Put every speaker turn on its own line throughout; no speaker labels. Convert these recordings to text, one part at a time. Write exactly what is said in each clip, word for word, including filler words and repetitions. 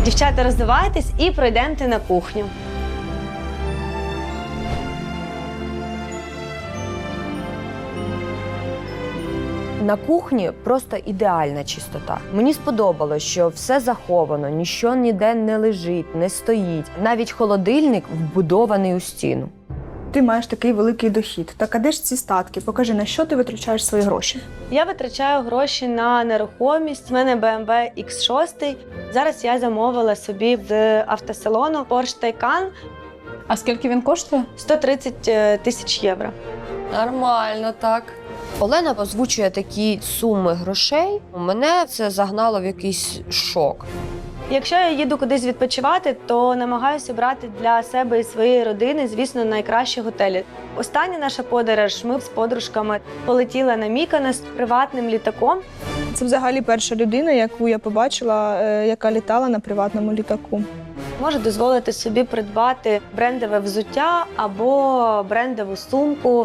Дівчата, роздивайтесь і пройдемте на кухню.
На кухні просто ідеальна чистота. Мені сподобалось, що все заховано, ніщо ніде не лежить, не стоїть. Навіть холодильник вбудований у стіну.
Ти маєш такий великий дохід. Так а де ж ці статки? Покажи, на що ти витрачаєш свої гроші?
Я витрачаю гроші на нерухомість. У мене бе ем ве ікс шість. Зараз я замовила собі з автосалону Porsche Taycan.
А скільки він коштує?
сто тридцять тисяч євро.
Нормально, так. Олена озвучує такі суми грошей. Мене це загнало в якийсь шок.
Якщо я їду кудись відпочивати, то намагаюся брати для себе і своєї родини, звісно, найкращі готелі. Остання наша подорож, ми з подружками полетіли на Міконос приватним літаком.
Це взагалі перша людина, яку я побачила, е, яка літала на приватному літаку.
Може дозволити собі придбати брендове взуття або брендову сумку.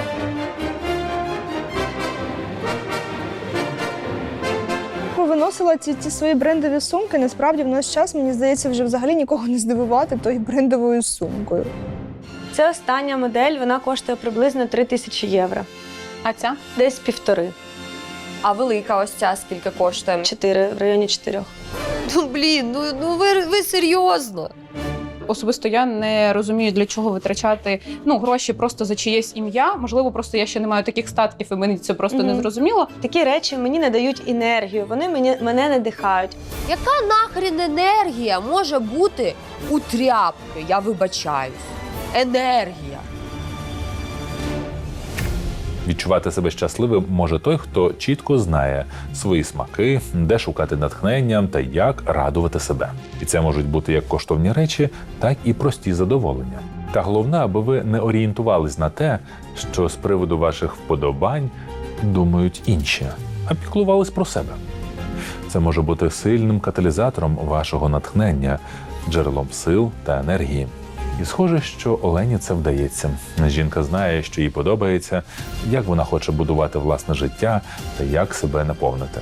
Виносила ці, ці свої брендові сумки. Насправді в наш час, мені здається, вже взагалі нікого не здивувати тою брендовою сумкою.
Це остання модель, вона коштує приблизно три тисячі євро.
А ця?
Десь півтори.
А велика ось ця скільки коштує?
Чотири, в районі чотирьох.
Ну, блін, ну, ну ви, ви серйозно?
Особисто я не розумію, для чого витрачати ну, гроші просто за чиєсь ім'я. Можливо, просто я ще не маю таких статків, і мені це просто
Мгм.
не зрозуміло.
Такі речі мені надають енергію, вони мені, мене надихають.
Яка нахрін енергія може бути у тряпки? Я вибачаюсь. Енергія.
Відчувати себе щасливим може той, хто чітко знає свої смаки, де шукати натхнення та як радувати себе. І це можуть бути як коштовні речі, так і прості задоволення. Та головне, аби ви не орієнтувались на те, що з приводу ваших вподобань думають інші, а піклувались про себе. Це може бути сильним каталізатором вашого натхнення, джерелом сил та енергії. І схоже, що Олені це вдається. Жінка знає, що їй подобається, як вона хоче будувати власне життя та як себе наповнити.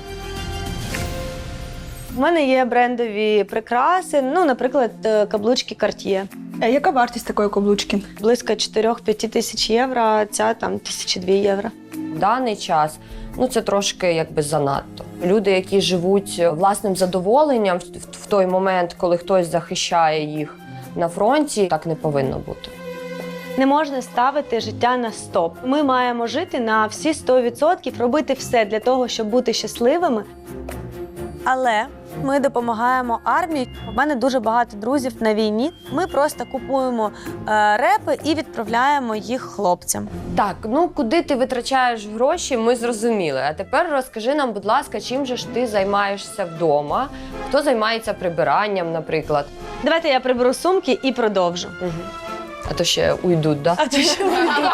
У мене є брендові прикраси, ну, наприклад, е, каблучки Cartier.
Е, яка вартість такої каблучки?
Близько чотири-п'ять тисяч євро, а ця там тисячі дві євро.
В даний час ну це трошки якби занадто. Люди, які живуть власним задоволенням в, в той момент, коли хтось захищає їх на фронті, так не повинно бути.
Не можна ставити життя на стоп. Ми маємо жити на всі сто відсотків, робити все для того, щоб бути щасливими. Але ми допомагаємо армії. У мене дуже багато друзів на війні. Ми просто купуємо е, репи і відправляємо їх хлопцям.
Так, ну куди ти витрачаєш гроші, ми зрозуміли. А тепер розкажи нам, будь ласка, чим же ж ти займаєшся вдома? Хто займається прибиранням, наприклад?
Давайте я приберу сумки і продовжу.
Угу. А то ще уйдуть, да?
А то що ви думаєте?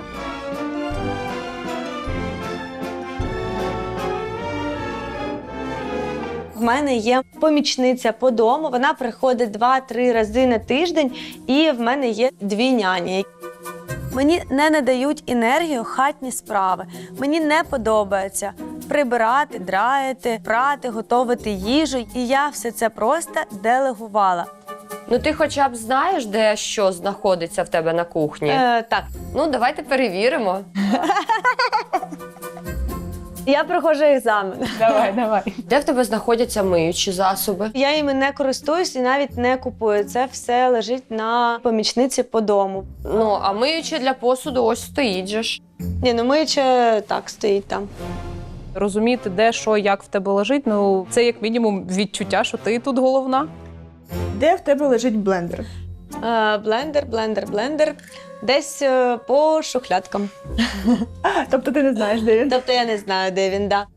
В мене є помічниця по дому, вона приходить два-три рази на тиждень, і в мене є дві няні. Мені не надають енергію хатні справи. Мені не подобається прибирати, драїти, прати, готувати їжу. І я все це просто делегувала.
Ну ти хоча б знаєш, де що знаходиться в тебе на кухні?
Е, так,
Ну, давайте перевіримо.
я проходжу екзамен.
Давай, давай.
Де в тебе знаходяться миючі засоби?
Я їми не користуюсь і навіть не купую. Це все лежить на помічниці по дому.
Ну, а миючі для посуду ось стоїть же ж.
Ні, ну миюче так стоїть там.
Розуміти, де, що, як в тебе лежить, ну це як мінімум відчуття, що ти тут головна.
Де в тебе лежить блендер?
Е, блендер, блендер, блендер. Десь е, по шухлядкам.
Тобто ти не знаєш, де він?
Тобто я не знаю, де він, да.